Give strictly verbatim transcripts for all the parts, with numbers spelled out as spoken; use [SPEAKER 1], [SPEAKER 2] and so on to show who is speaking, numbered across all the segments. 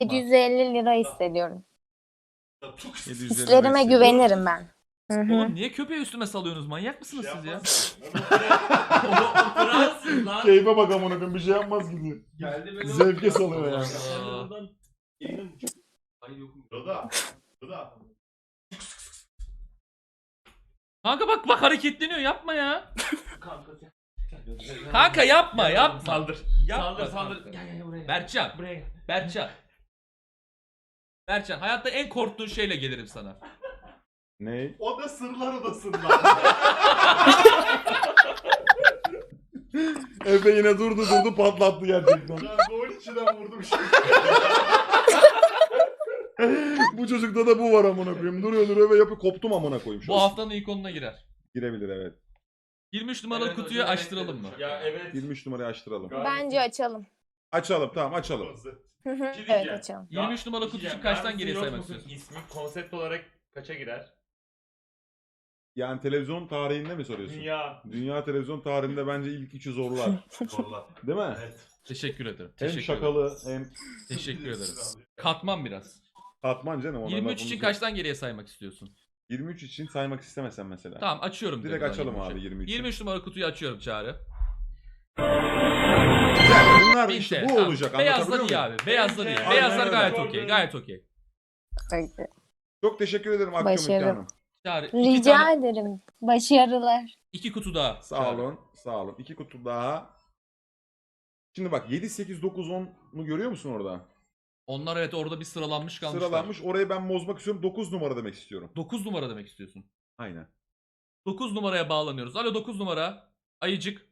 [SPEAKER 1] yedi yüz elli lira hissediyorum.
[SPEAKER 2] yedi yüz elli
[SPEAKER 1] Hislerime
[SPEAKER 2] lira
[SPEAKER 1] güvenirim ben. Hı hı.
[SPEAKER 3] Oğlum niye köpeği üstüme salıyorsunuz? Manyak mısınız siz ya?
[SPEAKER 4] Oturasın lan.
[SPEAKER 2] Keyfe bak amına koyayım, bir şey yapmaz gibi.
[SPEAKER 4] Geldi böyle
[SPEAKER 2] Zevke
[SPEAKER 4] oldu.
[SPEAKER 2] salıyor yani.
[SPEAKER 3] Aa.
[SPEAKER 4] Oradan elini uç- Ay yokum.
[SPEAKER 5] Doda. Doda.
[SPEAKER 3] Kanka bak bak hareketleniyor, yapma ya.
[SPEAKER 4] Kanka sen.
[SPEAKER 3] Kanka yapma
[SPEAKER 4] Gel
[SPEAKER 3] yapma.
[SPEAKER 4] oğlum, saldır.
[SPEAKER 3] Yapma
[SPEAKER 4] Saldır saldır.
[SPEAKER 3] kanka.
[SPEAKER 4] Gel gel buraya. gel.
[SPEAKER 3] Berkcan.
[SPEAKER 4] Buraya gel.
[SPEAKER 3] Berkcan. Berkcan, hayatta en korktuğun şeyle gelirim sana.
[SPEAKER 2] Ne?
[SPEAKER 5] O da sırlar odasında.
[SPEAKER 2] Efe yine durdu durdu patlattı gerçekten.
[SPEAKER 5] Ben gol içinden vurdum şimdi.
[SPEAKER 2] Bu çocukta da bu var amına koyayım. Duruyor duruyor ve yapıyor, koptum amına koyayım. Şu
[SPEAKER 3] Bu
[SPEAKER 2] an.
[SPEAKER 3] haftanın ilk onuna girer.
[SPEAKER 2] Girebilir evet.
[SPEAKER 3] yirmi üç numaralı
[SPEAKER 4] Evet,
[SPEAKER 3] kutuyu
[SPEAKER 4] hocam,
[SPEAKER 3] açtıralım mı?
[SPEAKER 4] evet. Ya evet.
[SPEAKER 2] yirmi üç numarayı açtıralım.
[SPEAKER 1] Bence açalım.
[SPEAKER 2] Açalım, tamam açalım.
[SPEAKER 1] Hı hı.
[SPEAKER 4] şey
[SPEAKER 1] Evet
[SPEAKER 4] diyeceğim.
[SPEAKER 1] açalım.
[SPEAKER 3] yirmi üç numaralı
[SPEAKER 4] Bir şey
[SPEAKER 3] kutusu
[SPEAKER 4] diyeceğim.
[SPEAKER 3] kaçtan
[SPEAKER 4] Var
[SPEAKER 3] geriye
[SPEAKER 4] mısın, yok
[SPEAKER 3] saymak
[SPEAKER 4] musun?
[SPEAKER 3] istiyorsun?
[SPEAKER 4] İsmi konsept olarak kaça girer?
[SPEAKER 2] Yani televizyon tarihinde mi soruyorsun?
[SPEAKER 4] Dünya.
[SPEAKER 2] Dünya televizyon tarihinde bence ilk üçü zorlar.
[SPEAKER 5] Zorla.
[SPEAKER 2] Değil mi?
[SPEAKER 5] Evet.
[SPEAKER 3] Teşekkür ederim.
[SPEAKER 2] Hem
[SPEAKER 3] Teşekkür
[SPEAKER 2] şakalı
[SPEAKER 3] ederim.
[SPEAKER 2] hem
[SPEAKER 3] Teşekkür ederiz. Katman biraz.
[SPEAKER 2] katman canım. ona
[SPEAKER 3] yirmi üç
[SPEAKER 2] lafımız
[SPEAKER 3] için
[SPEAKER 2] yok.
[SPEAKER 3] kaçtan geriye saymak istiyorsun?
[SPEAKER 2] yirmi üç için saymak istemesen mesela.
[SPEAKER 3] Tamam açıyorum.
[SPEAKER 2] Direkt
[SPEAKER 3] diyorum ben
[SPEAKER 2] açalım
[SPEAKER 3] yirmi üçü.
[SPEAKER 2] abi yirmi üçü.
[SPEAKER 3] yirmi üç numaralı kutuyu açıyorum Çağrı.
[SPEAKER 2] Güzel. Bunlar
[SPEAKER 3] bin
[SPEAKER 2] işte
[SPEAKER 3] T L,
[SPEAKER 2] bu
[SPEAKER 3] tamam.
[SPEAKER 2] olacak.
[SPEAKER 3] Beyazlar
[SPEAKER 2] Anlatabiliyor
[SPEAKER 3] iyi
[SPEAKER 2] muyum?
[SPEAKER 3] abi. Beyazlar iyi.
[SPEAKER 4] Aynen
[SPEAKER 3] Beyazlar
[SPEAKER 2] öyle.
[SPEAKER 3] gayet
[SPEAKER 4] Gördüm.
[SPEAKER 3] okey. Gayet okey.
[SPEAKER 1] Peki.
[SPEAKER 2] Çok teşekkür ederim Akgümrük
[SPEAKER 1] Başarı.
[SPEAKER 2] Hanım.
[SPEAKER 3] Çağrı iki
[SPEAKER 1] Rica
[SPEAKER 3] tane,
[SPEAKER 1] ederim. Başarılar.
[SPEAKER 3] iki kutu daha.
[SPEAKER 2] Sağ
[SPEAKER 3] Çağrı.
[SPEAKER 2] olun. Sağ olun. İki kutu daha. Şimdi bak yedi, sekiz, dokuz, on'u görüyor musun orada?
[SPEAKER 3] Onlar evet orada bir sıralanmış kalmışlar.
[SPEAKER 2] Sıralanmış. Orayı ben bozmak istiyorum. dokuz numara demek istiyorum.
[SPEAKER 3] dokuz numara demek istiyorsun.
[SPEAKER 2] Aynen.
[SPEAKER 3] dokuz numaraya bağlanıyoruz. Alo dokuz numara. Ayıcık.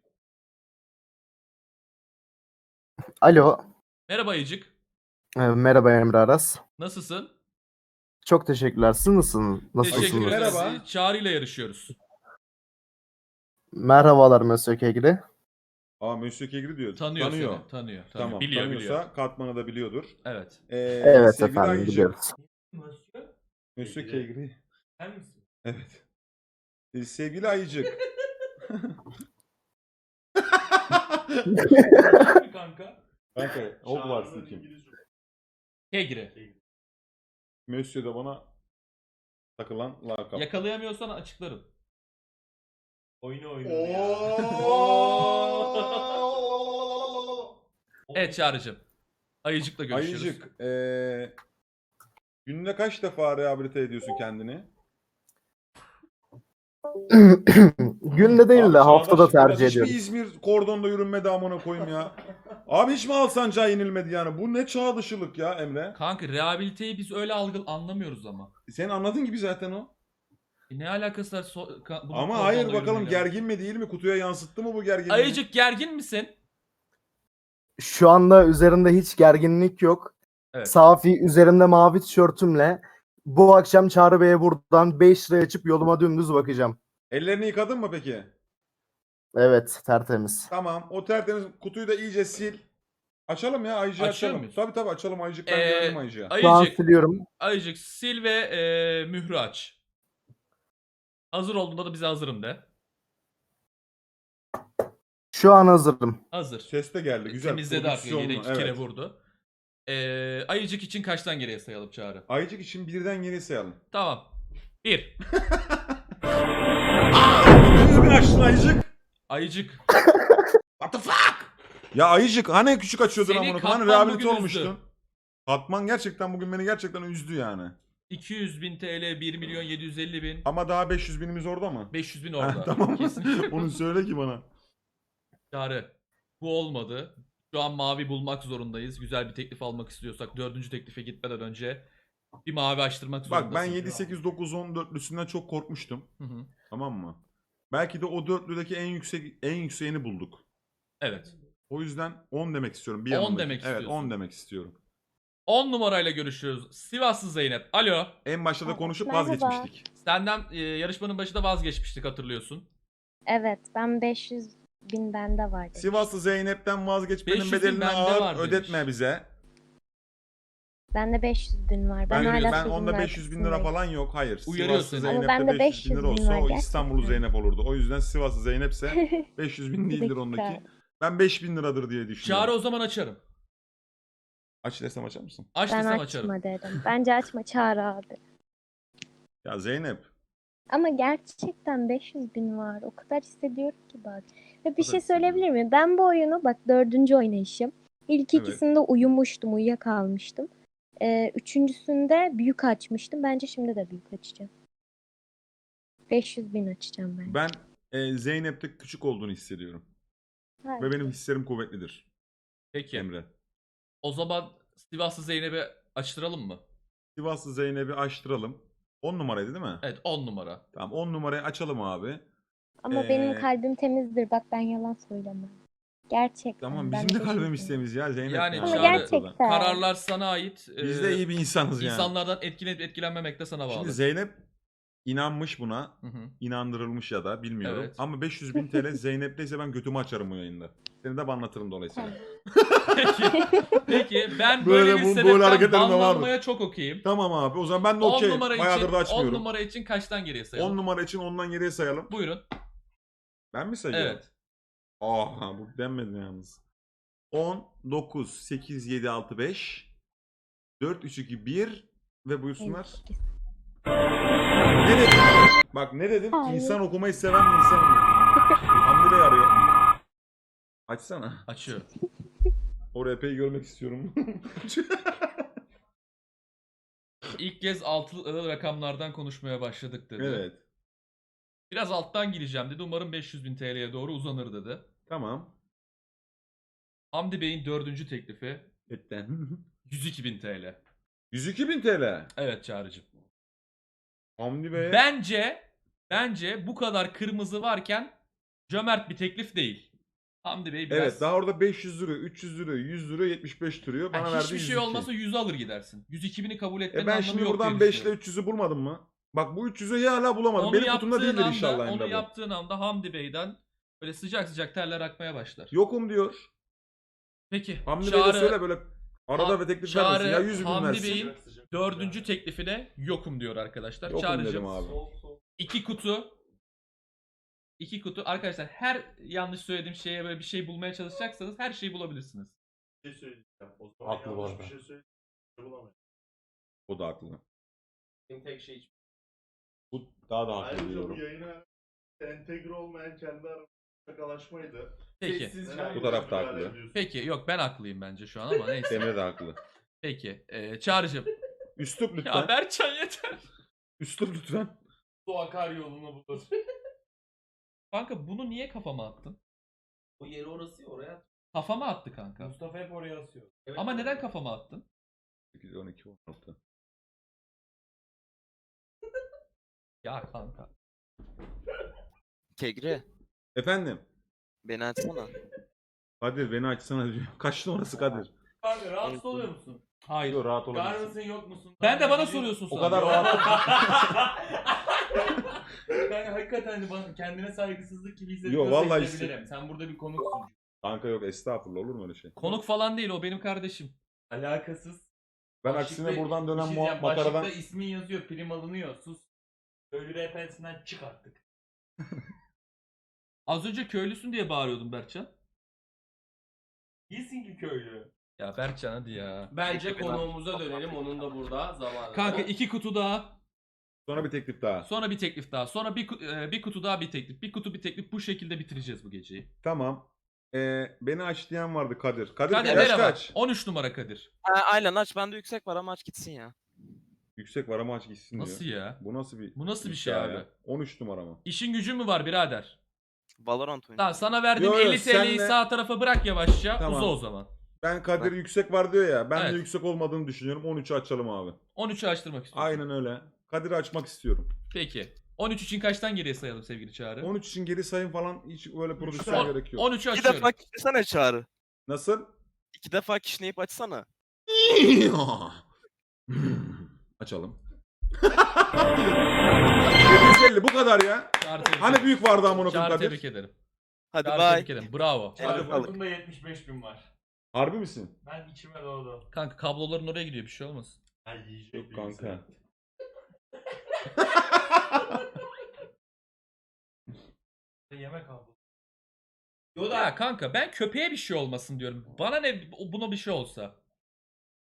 [SPEAKER 6] Alo.
[SPEAKER 3] Merhaba Ayıcık.
[SPEAKER 6] Ee, Merhaba Emre Aras.
[SPEAKER 3] Nasılsın?
[SPEAKER 6] Çok teşekkürler. Siz nasılsınız?
[SPEAKER 3] Teşekkür
[SPEAKER 6] Nasılsınız?
[SPEAKER 3] ederiz.
[SPEAKER 2] Merhaba.
[SPEAKER 3] Çağrı ile yarışıyoruz.
[SPEAKER 6] Merhabalar Monsieur Kegri.
[SPEAKER 2] Aa Monsieur Kegri diyor.
[SPEAKER 3] Tanıyor,
[SPEAKER 2] Tanıyor.
[SPEAKER 3] seni. Tanıyor. tanıyor.
[SPEAKER 2] Tamam.
[SPEAKER 3] biliyor
[SPEAKER 2] tanıyorsa
[SPEAKER 3] biliyor.
[SPEAKER 2] katmanı da biliyordur.
[SPEAKER 3] Evet.
[SPEAKER 2] Ee,
[SPEAKER 6] Evet
[SPEAKER 2] sevgili
[SPEAKER 6] efendim
[SPEAKER 2] Ayıcık,
[SPEAKER 6] biliyoruz.
[SPEAKER 4] Monsieur.
[SPEAKER 2] Monsieur
[SPEAKER 4] Kegri.
[SPEAKER 2] Kegri.
[SPEAKER 4] Sen misin?
[SPEAKER 2] Evet. Ee, sevgili Ayıcık.
[SPEAKER 4] Sen mi kanka?
[SPEAKER 2] Kanka Hogwarts'ın
[SPEAKER 5] Çağrı'nın
[SPEAKER 2] kim?
[SPEAKER 5] İngilizce.
[SPEAKER 3] Kegri.
[SPEAKER 2] Monsieur de bana takılan lakap.
[SPEAKER 3] Yakalayamıyorsan açıklarım.
[SPEAKER 4] Oyunu oynuyor ya.
[SPEAKER 5] Oo.
[SPEAKER 3] Evet Çağrı'cığım. Ayıcık'la görüşürüz.
[SPEAKER 2] Ayıcık. Ee, günde kaç defa rehabilite ediyorsun kendini?
[SPEAKER 6] Günde değil
[SPEAKER 2] Abi
[SPEAKER 6] de haftada
[SPEAKER 2] Çağdaş, biraz
[SPEAKER 6] tercih
[SPEAKER 2] hiç mi
[SPEAKER 6] ediyorum.
[SPEAKER 2] İzmir kordonda yürünmedi amına koyayım ya. Abi hiç mi Alsancak'a inilmedi yani? Bu ne çağ dışılık ya Emre?
[SPEAKER 3] Kanka rehabiliteyi biz öyle algı anlamıyoruz ama.
[SPEAKER 2] Sen anladın gibi zaten o.
[SPEAKER 3] E ne alakası var? So- ka- bunun
[SPEAKER 2] Ama
[SPEAKER 3] kordonla
[SPEAKER 2] hayır bakalım
[SPEAKER 3] yürümeyle?
[SPEAKER 2] gergin mi değil mi? Kutuya yansıttı mı bu gerginliği?
[SPEAKER 3] Ayıcık gergin misin?
[SPEAKER 6] Şu anda üzerinde hiç gerginlik yok.
[SPEAKER 3] Evet.
[SPEAKER 6] Safi üzerimde mavi tişörtümle bu akşam Çağrı Bey'e buradan beş lira açıp yoluma dümdüz bakacağım.
[SPEAKER 2] Ellerini yıkadın mı peki?
[SPEAKER 6] Evet tertemiz.
[SPEAKER 2] Tamam. O tertemiz kutuyu da iyice sil. Açalım ya Ayıcık'ı
[SPEAKER 3] Açıyor
[SPEAKER 2] açalım.
[SPEAKER 3] muyuz?
[SPEAKER 2] Tabii tabii açalım Ayıcık. Ben
[SPEAKER 3] Ee,
[SPEAKER 2] güvendim Ayıcık'a.
[SPEAKER 6] Şu an
[SPEAKER 3] Ayıcık,
[SPEAKER 6] siliyorum.
[SPEAKER 3] Ayıcık sil ve e, mührü aç. Hazır olduğunda da bize hazırım de.
[SPEAKER 6] Şu an hazırım.
[SPEAKER 3] Hazır.
[SPEAKER 2] Ses de geldi. Güzel.
[SPEAKER 3] Temizledi artık. Yine
[SPEAKER 2] prodüksiyonlu,
[SPEAKER 3] iki kere
[SPEAKER 2] evet.
[SPEAKER 3] vurdu. E, Ayıcık için kaçtan geriye sayalım Çağrı?
[SPEAKER 2] Ayıcık için birden geri sayalım.
[SPEAKER 3] Tamam. Bir.
[SPEAKER 2] Düzgün açtın Ayıcık.
[SPEAKER 3] Ayıcık.
[SPEAKER 2] What the fuck? Ya Ayıcık hani küçük açıyordun
[SPEAKER 3] Seni
[SPEAKER 2] amına koyayım? Hani
[SPEAKER 3] Katman
[SPEAKER 2] rehabilite
[SPEAKER 3] bugün
[SPEAKER 2] olmuştun.
[SPEAKER 3] üzdü.
[SPEAKER 2] Katman gerçekten bugün beni gerçekten üzdü yani.
[SPEAKER 3] iki yüz bin T L, bir milyon yedi yüz elli bin.
[SPEAKER 2] Ama daha beş yüz binimiz orada mı?
[SPEAKER 3] beş yüz bin
[SPEAKER 2] Ha,
[SPEAKER 3] orada.
[SPEAKER 2] tamam.
[SPEAKER 3] Kesinlikle.
[SPEAKER 2] Onu söyle ki bana.
[SPEAKER 3] Çağrı. Bu olmadı. Şu an mavi bulmak zorundayız. Güzel bir teklif almak istiyorsak dördüncü teklife gitmeden önce bir mavi açtırmak zorundasın.
[SPEAKER 2] Bak ben yedi, sekiz, dokuz, on dörtlüsünden çok korkmuştum.
[SPEAKER 3] Hı hı.
[SPEAKER 2] Tamam mı? Belki de o dörtlüdeki en yüksek en yükseğini bulduk.
[SPEAKER 3] Evet.
[SPEAKER 2] O yüzden on demek istiyorum. Bir
[SPEAKER 3] on
[SPEAKER 2] yanındaki.
[SPEAKER 3] demek
[SPEAKER 2] Evet
[SPEAKER 3] istiyorsun.
[SPEAKER 2] on demek istiyorum.
[SPEAKER 3] on numarayla görüşüyoruz. Sivaslı Zeynep. Alo.
[SPEAKER 2] En başta da konuşup
[SPEAKER 7] Merhaba.
[SPEAKER 2] vazgeçmiştik.
[SPEAKER 3] Senden e, yarışmanın başında vazgeçmiştik hatırlıyorsun.
[SPEAKER 7] Evet, ben beş yüz bin bende var demiş.
[SPEAKER 2] Sivaslı Zeynep'ten vazgeçmenin
[SPEAKER 3] beş yüz bin
[SPEAKER 2] bedelini
[SPEAKER 3] bende
[SPEAKER 2] ağır
[SPEAKER 3] var demiş.
[SPEAKER 2] ödetme bize.
[SPEAKER 7] Bende beş yüz bin var. Ben,
[SPEAKER 2] Ben,
[SPEAKER 7] hala
[SPEAKER 2] ben
[SPEAKER 7] sözümün
[SPEAKER 2] onda beş yüz bin lira
[SPEAKER 7] arkasındayım.
[SPEAKER 2] falan yok. Hayır.
[SPEAKER 3] Uyarıyor
[SPEAKER 2] Sivaslı
[SPEAKER 3] seni.
[SPEAKER 7] Ama
[SPEAKER 2] Zeynep'te
[SPEAKER 7] bende
[SPEAKER 2] beş yüz bin lira
[SPEAKER 7] beş yüz bin
[SPEAKER 2] olsa
[SPEAKER 7] var
[SPEAKER 2] o İstanbullu
[SPEAKER 7] gerçekten.
[SPEAKER 2] Zeynep olurdu. O yüzden Sivaslı Zeynep'se beş yüz bin
[SPEAKER 7] Bir
[SPEAKER 2] değildir
[SPEAKER 7] dakika.
[SPEAKER 2] ondaki. Ben beş bin liradır diye düşünüyorum.
[SPEAKER 3] Çağrı o zaman açarım.
[SPEAKER 2] Aç desem açar mısın?
[SPEAKER 3] Aç
[SPEAKER 7] Ben
[SPEAKER 3] desem açarım.
[SPEAKER 7] açma dedim. Bence açma, Çağrı abi.
[SPEAKER 2] Ya Zeynep.
[SPEAKER 7] Ama gerçekten beş yüz bin var. O kadar hissediyorum ki bak. Ve bir
[SPEAKER 2] kadar
[SPEAKER 7] şey söyleyebilir miyim? Ben bu oyunu bak dördüncü oynayışım. İlk
[SPEAKER 2] Evet.
[SPEAKER 7] ikisinde uyumuştum, uyuyakalmıştım. Ee, üçüncüsünde büyük açmıştım. Bence şimdi de büyük açacağım. beş yüz bin açacağım ben.
[SPEAKER 2] Ben e, Zeynep'te küçük olduğunu hissediyorum.
[SPEAKER 7] Hayır.
[SPEAKER 2] Ve benim hislerim kuvvetlidir.
[SPEAKER 3] Peki.
[SPEAKER 2] Emre.
[SPEAKER 3] O zaman Sivaslı Zeynep'i açtıralım mı?
[SPEAKER 2] Sivaslı Zeynep'i açtıralım. on numaraydı değil mi?
[SPEAKER 3] Evet on numara.
[SPEAKER 2] Tamam on numarayı açalım abi.
[SPEAKER 7] Ama
[SPEAKER 2] Ee,
[SPEAKER 7] benim kalbim temizdir. Bak ben yalan söylemem. Gerçekten.
[SPEAKER 2] Tamam
[SPEAKER 7] ben
[SPEAKER 2] bizim de
[SPEAKER 7] beş yüz
[SPEAKER 2] kalbimiz
[SPEAKER 7] bin.
[SPEAKER 2] temiz ya Zeynep.
[SPEAKER 3] Yani
[SPEAKER 2] ya.
[SPEAKER 7] Ama
[SPEAKER 3] Çağrı-
[SPEAKER 7] gerçekten.
[SPEAKER 3] Kararlar sana ait.
[SPEAKER 2] Biz
[SPEAKER 3] Ee,
[SPEAKER 2] de iyi bir insanız yani.
[SPEAKER 3] İnsanlardan etkilenip etkilenmemek de sana bağlı.
[SPEAKER 2] Şimdi Zeynep inanmış buna.
[SPEAKER 3] Hı hı.
[SPEAKER 2] İnandırılmış ya da bilmiyorum.
[SPEAKER 3] Evet.
[SPEAKER 2] Ama beş yüz bin T L Zeynep'teyse ben götümü açarım bu yayında. Seni de anlatırım dolayısıyla.
[SPEAKER 3] Peki. Peki ben
[SPEAKER 2] Böyle
[SPEAKER 3] böyle,
[SPEAKER 2] bu-
[SPEAKER 3] bir
[SPEAKER 2] böyle
[SPEAKER 3] sebepten
[SPEAKER 2] hareketlerim de var mı?
[SPEAKER 3] banlanmaya çok okeyim.
[SPEAKER 2] Tamam abi o zaman ben de
[SPEAKER 3] on
[SPEAKER 2] okey.
[SPEAKER 3] numara
[SPEAKER 2] Bayağıdır
[SPEAKER 3] için
[SPEAKER 2] da
[SPEAKER 3] on
[SPEAKER 2] açmıyorum.
[SPEAKER 3] numara için kaçtan geriye sayalım?
[SPEAKER 2] on numara için ondan geriye sayalım.
[SPEAKER 3] Buyurun.
[SPEAKER 2] Ben mi sayıyorum?
[SPEAKER 3] Evet.
[SPEAKER 2] Aha bu denmedi yalnız. on, dokuz, sekiz, yedi, altı, beş, dört, üç, iki, bir ve buyursunlar. Ne dedim? Bak ne dedim?
[SPEAKER 7] Hayır.
[SPEAKER 2] İnsan okumayı seven bir insanım. Hamdi Bey arıyor. Açsana.
[SPEAKER 3] Açıyor.
[SPEAKER 2] O R P'yi görmek istiyorum.
[SPEAKER 3] İlk kez altılı rakamlardan konuşmaya başladık dedi.
[SPEAKER 2] Evet.
[SPEAKER 3] Biraz alttan gireceğim dedi. Umarım beş yüz bin T L'ye doğru uzanır dedi.
[SPEAKER 2] Tamam.
[SPEAKER 3] Hamdi Bey'in dördüncü teklifi
[SPEAKER 2] Etten.
[SPEAKER 3] yüz iki bin T L.
[SPEAKER 2] yüz iki bin T L.
[SPEAKER 3] Evet Çağrı'cığım.
[SPEAKER 2] Hamdi Bey.
[SPEAKER 3] Bence bence bu kadar kırmızı varken cömert bir teklif değil. Hamdi Bey biraz...
[SPEAKER 2] Evet daha orada beş yüz lira, üç yüz lira, yüz lira, yetmiş beş duruyor. Bana
[SPEAKER 3] Yani
[SPEAKER 2] verdi
[SPEAKER 3] hiçbir
[SPEAKER 2] yüz iki.
[SPEAKER 3] şey olmasa yüzü alır gidersin. yüz iki bini kabul etmenin
[SPEAKER 2] E ben
[SPEAKER 3] anlamı
[SPEAKER 2] şimdi
[SPEAKER 3] yok
[SPEAKER 2] buradan
[SPEAKER 3] diye
[SPEAKER 2] beş ile
[SPEAKER 3] düşünüyorum.
[SPEAKER 2] üç yüzü bulmadım mı? Bak bu üç yüzü hala bulamadım.
[SPEAKER 3] Onu
[SPEAKER 2] Benim kutumda
[SPEAKER 3] yaptığın
[SPEAKER 2] değildir
[SPEAKER 3] anda,
[SPEAKER 2] inşallah
[SPEAKER 3] onu
[SPEAKER 2] Emre bu.
[SPEAKER 3] yaptığın anda Hamdi Bey'den böyle sıcak sıcak terler akmaya başlar.
[SPEAKER 2] Yokum diyor.
[SPEAKER 3] Peki
[SPEAKER 2] Hamdi Bey de söyle böyle arada
[SPEAKER 3] Ha-
[SPEAKER 2] ve teklif
[SPEAKER 3] Çağrı,
[SPEAKER 2] vermesin. Ya yüz bin
[SPEAKER 3] Hamdi
[SPEAKER 2] versin.
[SPEAKER 3] Bey'in dördüncü teklifine yokum diyor arkadaşlar.
[SPEAKER 2] Yokum
[SPEAKER 3] Çağrı'cığım
[SPEAKER 2] dedim abi.
[SPEAKER 3] iki kutu iki kutu arkadaşlar her yanlış söylediğim şeye böyle bir şey bulmaya çalışacaksanız her şeyi bulabilirsiniz.
[SPEAKER 5] Bir şey söyleyeceğim. O zaman
[SPEAKER 2] Haklı bu
[SPEAKER 5] yanlış
[SPEAKER 2] arada.
[SPEAKER 5] bir şey söyleyeceğim. Bulamayız.
[SPEAKER 2] O da haklı.
[SPEAKER 3] Tek şey
[SPEAKER 2] Bu daha da haklı
[SPEAKER 5] Ayrıca bu
[SPEAKER 2] diyorum.
[SPEAKER 5] yayına entegre olmayan kendi aramızda şakalaşmaydı.
[SPEAKER 3] Peki.
[SPEAKER 5] Neden
[SPEAKER 2] Bu taraf da
[SPEAKER 5] müdahale
[SPEAKER 2] haklı.
[SPEAKER 5] ediyorsun?
[SPEAKER 3] Peki yok ben haklıyım bence şu an ama neyse.
[SPEAKER 2] Emre de haklı.
[SPEAKER 3] Peki. Ee, Çağrı'cığım.
[SPEAKER 2] Üslup lütfen.
[SPEAKER 3] Ya Berkcan yeter.
[SPEAKER 2] Üslup lütfen.
[SPEAKER 4] Su akar yolunu bulur.
[SPEAKER 3] Kanka bunu niye kafama attın?
[SPEAKER 4] O yeri orası ya, oraya at.
[SPEAKER 3] Kafama attı kanka.
[SPEAKER 4] Mustafa hep oraya asıyor. Evet,
[SPEAKER 3] Ama
[SPEAKER 4] oraya.
[SPEAKER 3] neden kafama attın?
[SPEAKER 2] sekiz, on iki, on altı.
[SPEAKER 3] Ya kanka.
[SPEAKER 8] Kegri,
[SPEAKER 2] Efendim.
[SPEAKER 8] beni açsana.
[SPEAKER 2] Kadir beni açsana diyor. Kaç numarası Kadir?
[SPEAKER 4] Kanka rahatsız oluyor musun?
[SPEAKER 3] Hayır.
[SPEAKER 2] Diyor rahat
[SPEAKER 4] Var
[SPEAKER 2] olabilirsin.
[SPEAKER 4] mısın yok musun?
[SPEAKER 3] Ben de bana
[SPEAKER 4] Gidiyor-
[SPEAKER 3] soruyorsun
[SPEAKER 2] O
[SPEAKER 3] sonra.
[SPEAKER 2] kadar rahat.
[SPEAKER 4] Ben hakikaten hani bana kendine saygısızlık gibi
[SPEAKER 2] Yo,
[SPEAKER 4] hissediyorsa
[SPEAKER 2] vallahi
[SPEAKER 4] hissedebilirim. Sen burada bir konuksun.
[SPEAKER 2] Kanka yok estağfurullah olur mu öyle şey?
[SPEAKER 3] Konuk falan değil o benim kardeşim.
[SPEAKER 4] Alakasız.
[SPEAKER 2] Ben
[SPEAKER 4] Başlıkta-
[SPEAKER 2] aksine buradan
[SPEAKER 4] bir
[SPEAKER 2] dönen
[SPEAKER 4] şey
[SPEAKER 2] muha-
[SPEAKER 4] diyeceğim,
[SPEAKER 2] makaradan...
[SPEAKER 4] Başlıkta ismin yazıyor, prim alınıyor. Sus. Köylü R P'sinden çık artık.
[SPEAKER 3] Az önce köylüsün diye bağırıyordum Berkcan.
[SPEAKER 4] Değilsin ki köylü.
[SPEAKER 3] Ya Berkcan hadi ya.
[SPEAKER 4] Bence konuğumuza dönelim. Onun da burada zamanı.
[SPEAKER 3] Kanka iki kutu daha.
[SPEAKER 2] Sonra bir teklif daha.
[SPEAKER 3] Sonra bir teklif daha. Sonra bir, ku- e, bir kutu daha bir teklif. Bir kutu bir teklif. Bu şekilde bitireceğiz bu geceyi.
[SPEAKER 2] Tamam. Ee, beni aç diyen vardı Kadir. Kadir,
[SPEAKER 3] Kadir
[SPEAKER 2] yaş
[SPEAKER 3] merhaba.
[SPEAKER 2] kaç?
[SPEAKER 3] on üç numara Kadir.
[SPEAKER 8] Ha, aynen aç, bende yüksek var ama aç gitsin ya.
[SPEAKER 2] Yüksek var ama aç gitsin diyor.
[SPEAKER 3] Nasıl ya?
[SPEAKER 2] Bu nasıl bir
[SPEAKER 3] Bu nasıl bir şey
[SPEAKER 2] iddia ya?
[SPEAKER 3] abi?
[SPEAKER 2] on üç numara mı?
[SPEAKER 3] İşin gücün mü var birader?
[SPEAKER 8] Valorant oyunu.
[SPEAKER 3] Tamam sana verdiğim
[SPEAKER 2] Yo, yo,
[SPEAKER 3] elli T L'yi
[SPEAKER 2] senle-
[SPEAKER 3] sağ tarafa bırak yavaşça.
[SPEAKER 2] Tamam.
[SPEAKER 3] Uza o zaman.
[SPEAKER 2] Ben Kadir yüksek var diyor ya. Ben
[SPEAKER 3] Evet.
[SPEAKER 2] de yüksek olmadığını düşünüyorum. on üçü açalım abi.
[SPEAKER 3] on üçü açtırmak istiyorum.
[SPEAKER 2] Aynen öyle. Kadir'i açmak istiyorum.
[SPEAKER 3] Peki. on üç için kaçtan geriye sayalım sevgili Çağrı?
[SPEAKER 2] on üç için geri sayım falan hiç öyle prodüksiyon
[SPEAKER 3] On-
[SPEAKER 2] gerek yok.
[SPEAKER 3] on üçü
[SPEAKER 8] İki
[SPEAKER 3] açıyorum.
[SPEAKER 8] defa kişnesene Çağrı.
[SPEAKER 2] Nasıl?
[SPEAKER 8] İki defa kişneyip açsana.
[SPEAKER 2] Açalım. yedi yüz elli bu kadar ya.
[SPEAKER 3] Çağrı tebrik
[SPEAKER 2] Hani
[SPEAKER 3] ederim.
[SPEAKER 2] büyük vardı amına koyayım
[SPEAKER 3] Çağrı tebrik
[SPEAKER 2] Kadir.
[SPEAKER 3] ederim.
[SPEAKER 8] Hadi
[SPEAKER 3] Çağrı
[SPEAKER 8] bay.
[SPEAKER 3] tebrik ederim. Bravo.
[SPEAKER 2] Hadi
[SPEAKER 8] Hadi balık.
[SPEAKER 4] Aklımda yetmiş beş bin var.
[SPEAKER 2] Harbi misin?
[SPEAKER 4] Ben içime doğdu.
[SPEAKER 3] Kanka kabloların oraya gidiyor bir şey olmaz.
[SPEAKER 5] Ha yiyecek
[SPEAKER 2] Yok
[SPEAKER 5] bir
[SPEAKER 2] kanka.
[SPEAKER 5] insan.
[SPEAKER 4] Yemek aldım.
[SPEAKER 3] Ya kanka ben köpeğe bir şey olmasın diyorum. Bana ne buna bir şey olsa.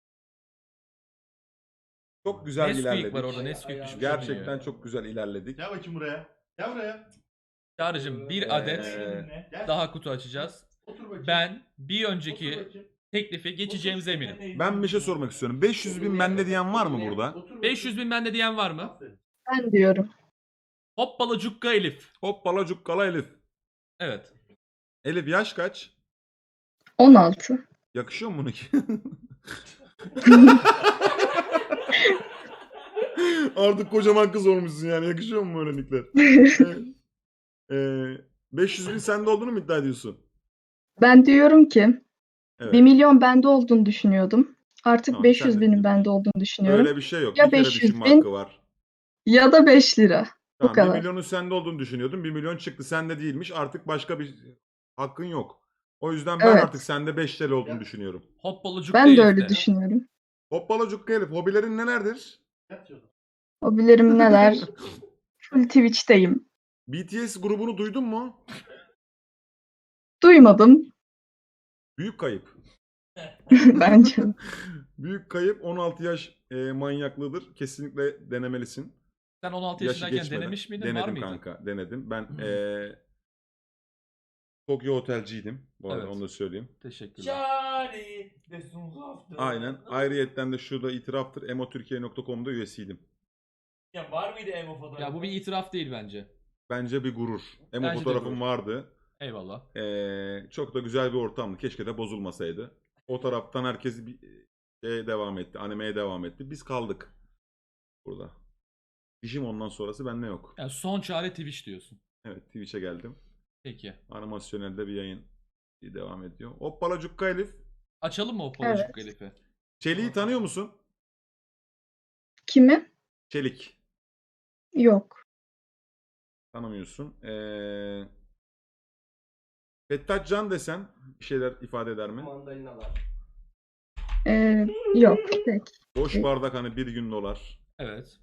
[SPEAKER 2] Çok güzel
[SPEAKER 3] Nesquik
[SPEAKER 2] ilerledik.
[SPEAKER 3] var orada. Nesquik düşmüş.
[SPEAKER 2] Gerçekten çok güzel ilerledik.
[SPEAKER 5] Gel bakayım buraya. Gel buraya.
[SPEAKER 3] Çağrı'cığım bir adet
[SPEAKER 2] Ee,
[SPEAKER 5] Gel.
[SPEAKER 3] daha kutu açacağız.
[SPEAKER 5] Otur bakayım.
[SPEAKER 3] Ben bir
[SPEAKER 5] Otur
[SPEAKER 3] önceki
[SPEAKER 5] bakayım.
[SPEAKER 3] teklifi geçeceğimize eminim.
[SPEAKER 2] Ben bir şey sormak istiyorum. beş yüz bin bende diyen var mı burada?
[SPEAKER 5] Otur bakayım.
[SPEAKER 3] beş yüz bin bende diyen var mı?
[SPEAKER 5] Aferin.
[SPEAKER 9] Ben diyorum.
[SPEAKER 3] Hoppala cukka Elif.
[SPEAKER 2] Hoppala cukkala Elif.
[SPEAKER 3] Evet.
[SPEAKER 2] Elif yaş kaç?
[SPEAKER 9] on altı.
[SPEAKER 2] Yakışıyor mu bunu ki? Artık kocaman kız olmuşsun yani. Yakışıyor mu böyle nickler? Ee, beş yüz bin sende olduğunu mu iddia ediyorsun?
[SPEAKER 9] Ben diyorum ki
[SPEAKER 2] Evet.
[SPEAKER 9] bir milyon bende olduğunu düşünüyordum. Artık
[SPEAKER 2] Tamam,
[SPEAKER 9] beş
[SPEAKER 2] sen
[SPEAKER 9] yüz
[SPEAKER 2] de
[SPEAKER 9] binin
[SPEAKER 2] diyorsun.
[SPEAKER 9] bende olduğunu düşünüyorum.
[SPEAKER 2] Öyle bir şey yok.
[SPEAKER 9] Ya
[SPEAKER 2] bir kere
[SPEAKER 9] beş yüz
[SPEAKER 2] düşünme
[SPEAKER 9] bin,
[SPEAKER 2] hakkı var.
[SPEAKER 9] Ya da beş lira.
[SPEAKER 2] Tamam,
[SPEAKER 9] kadar.
[SPEAKER 2] bir milyonun sende olduğunu düşünüyordum. bir milyon çıktı. Sende değilmiş. Artık başka bir hakkın yok. O yüzden ben
[SPEAKER 9] Evet.
[SPEAKER 2] artık sende beş T L olduğunu
[SPEAKER 5] Ya.
[SPEAKER 2] düşünüyorum.
[SPEAKER 3] Hoppala cukka
[SPEAKER 9] Ben de
[SPEAKER 3] Elif'te.
[SPEAKER 9] öyle düşünüyorum.
[SPEAKER 2] Hoppala cukka Elif. Hobilerin nelerdir?
[SPEAKER 5] Yatıyordum.
[SPEAKER 9] Hobilerim neler? Full Twitch'teyim.
[SPEAKER 2] B T S grubunu duydun mu?
[SPEAKER 9] Duymadım.
[SPEAKER 2] Büyük kayıp.
[SPEAKER 9] Bence.
[SPEAKER 2] Büyük kayıp on altı yaş e, manyaklığıdır. Kesinlikle denemelisin.
[SPEAKER 3] Sen on altı
[SPEAKER 2] Yaşı
[SPEAKER 3] yaşındayken
[SPEAKER 2] geçmeden.
[SPEAKER 3] denemiş miydin?
[SPEAKER 2] Denedim
[SPEAKER 3] Var mıydı?
[SPEAKER 2] kanka. Denedim. Ben
[SPEAKER 3] Hı.
[SPEAKER 2] e, Tokyo otelciydim. Bu arada
[SPEAKER 3] Evet.
[SPEAKER 2] onu da söyleyeyim.
[SPEAKER 3] Teşekkürler.
[SPEAKER 4] Charlie. Desun Zafter.
[SPEAKER 2] Aynen. Ayrıyetten de şurada itiraftır. emotürkiye nokta com'da üyesiydim.
[SPEAKER 4] Ya var mıydı emo fotoğrafı?
[SPEAKER 3] Ya bu bir itiraf değil bence.
[SPEAKER 2] Bence bir gurur. Emo
[SPEAKER 3] Bence de
[SPEAKER 2] fotoğrafım
[SPEAKER 3] gurur.
[SPEAKER 2] vardı.
[SPEAKER 3] Eyvallah.
[SPEAKER 2] Ee, çok da güzel bir ortamdı. Keşke de bozulmasaydı. O taraftan herkes bir şeye devam etti. Animeye devam etti. Biz kaldık burada. İşim ondan sonrası bende yok.
[SPEAKER 3] Yani son çare Twitch diyorsun.
[SPEAKER 2] Evet, Twitch'e geldim.
[SPEAKER 3] Peki.
[SPEAKER 2] Animasyonelde bir yayın devam ediyor. Hoppala cukka Elif.
[SPEAKER 3] Açalım mı Hoppala
[SPEAKER 9] Evet.
[SPEAKER 3] cukka Elif'i?
[SPEAKER 2] Çelik'i tanıyor musun?
[SPEAKER 9] Kimi?
[SPEAKER 2] Çelik.
[SPEAKER 9] Yok.
[SPEAKER 2] Tanımıyorsun. Ee, Fettah Can desen bir şeyler ifade eder mi?
[SPEAKER 9] Ee, yok. Peki.
[SPEAKER 2] Boş bardak hani bir gün dolar.
[SPEAKER 3] Evet.